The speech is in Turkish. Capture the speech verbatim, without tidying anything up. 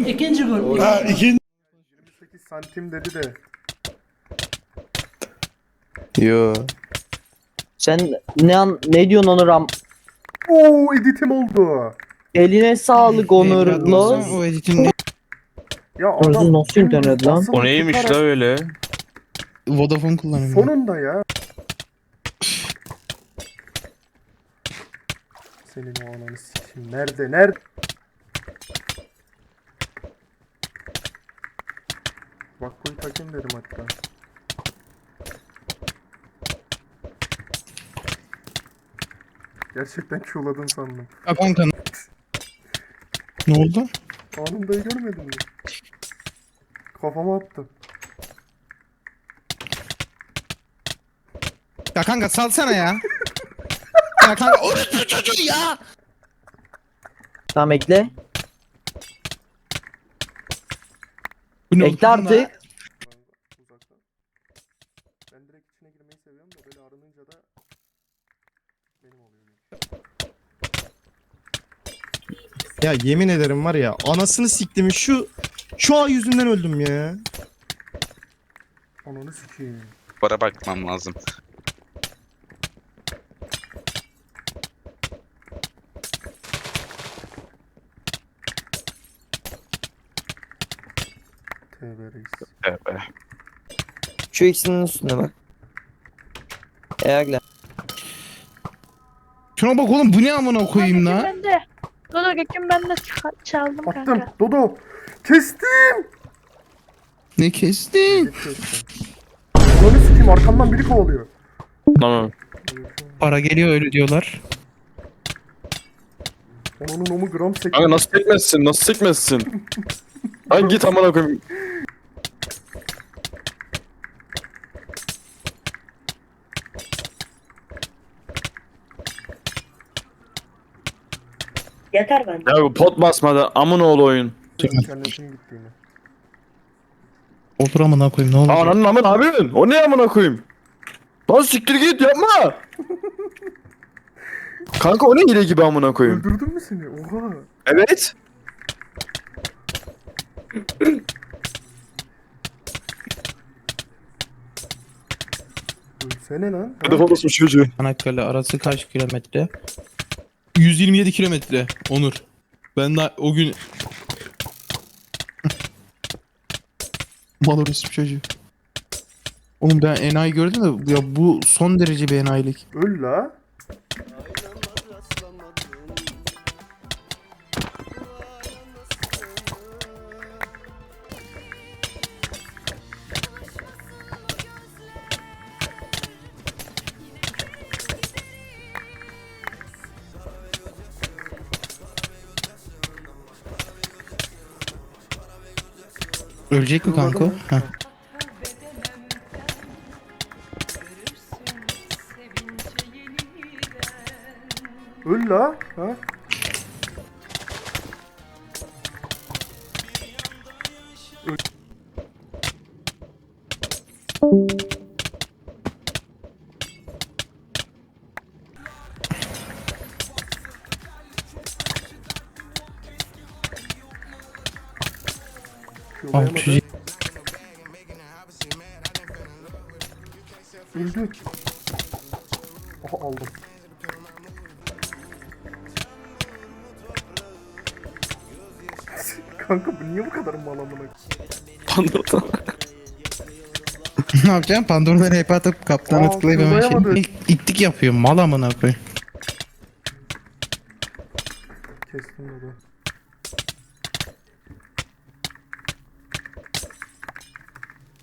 İkinci gol. Ha ikinci. yirmi sekiz santim dedi de. Yo. Sen ne an ne diyorsun Onur am? Oo editim oldu. Eline sağlık Onur. Evladınızın o editini Ya Orası adam nasıl internet lan? basılı O neymiş la tutarak öyle? Vodafone kullanıyorum. ben. sonunda ya. Senin o ananı sikeyim. Nerede? Nerede? Bak koyu takayım dedim hatta. Gerçekten Q'ladın sandım. Ha kanka. Ne oldu? Anındayı görmedin mi? Kafama attı. Ya kanka salsana ya. Ya kanka orası çocuğu ya. Tamam ekle. Bu ne Ekle oldu? artık. Uzaktan. Ben direkt içine girmeyi seviyorum da böyle aranınca da benim oluyor. Ya yemin ederim var ya anasını siktim şu şu an yüzünden öldüm ya. Ananı sikeyim. Para bakmam lazım. Tövbe reis. Evet. Şu ikisinin üstüne bak. Eğer Şuna bak oğlum bu ne amına koyayım Göküm la? bende. Dodo Göküm bende ça- çaldım Attım. kanka. Dodo. Kestim. Ne kestin? Kestim. Ananı sikeyim arkamdan biri kovalıyor. Tamam. Para geliyor öyle diyorlar. Onun omu gram sekti. Kanka nasıl sekmezsin? Nasıl sekmezsin? Lan git amına koyayım. Yeter bence. Ya bu pot basmadı. Amın oğlu oyun. İnternetim gitti yine. Otur amına koyayım ne olacak? Ananın amın abinin. O ne amına koyayım? Lan siktir git yapma. Kanka o ne hile gibi amına koyayım? Öldürdün mü seni? Oha. Evet. Ölsene lan. Ha? Hedef olursun çocuğu. Çanakkale arası kaç kilometre? yüz yirmi yedi kilometre Onur. Ben de o gün... Mal orası çocuğu. Oğlum ben enayi gördüm de ya bu son derece bir enayilik. Öl la. Ölecek mi kanka? o? Heh. Öl la. Ha? Al çocuğu. Öldü. Aha aldım. Kanka bu niye bu kadar mal amına? Ne yapacaksın? Pandora'dan hep atıp kaptana Aa, tıklayıp hemen tıklayamadı. şey... İttik yapıyor mal amına koyayım. Kestim dedi.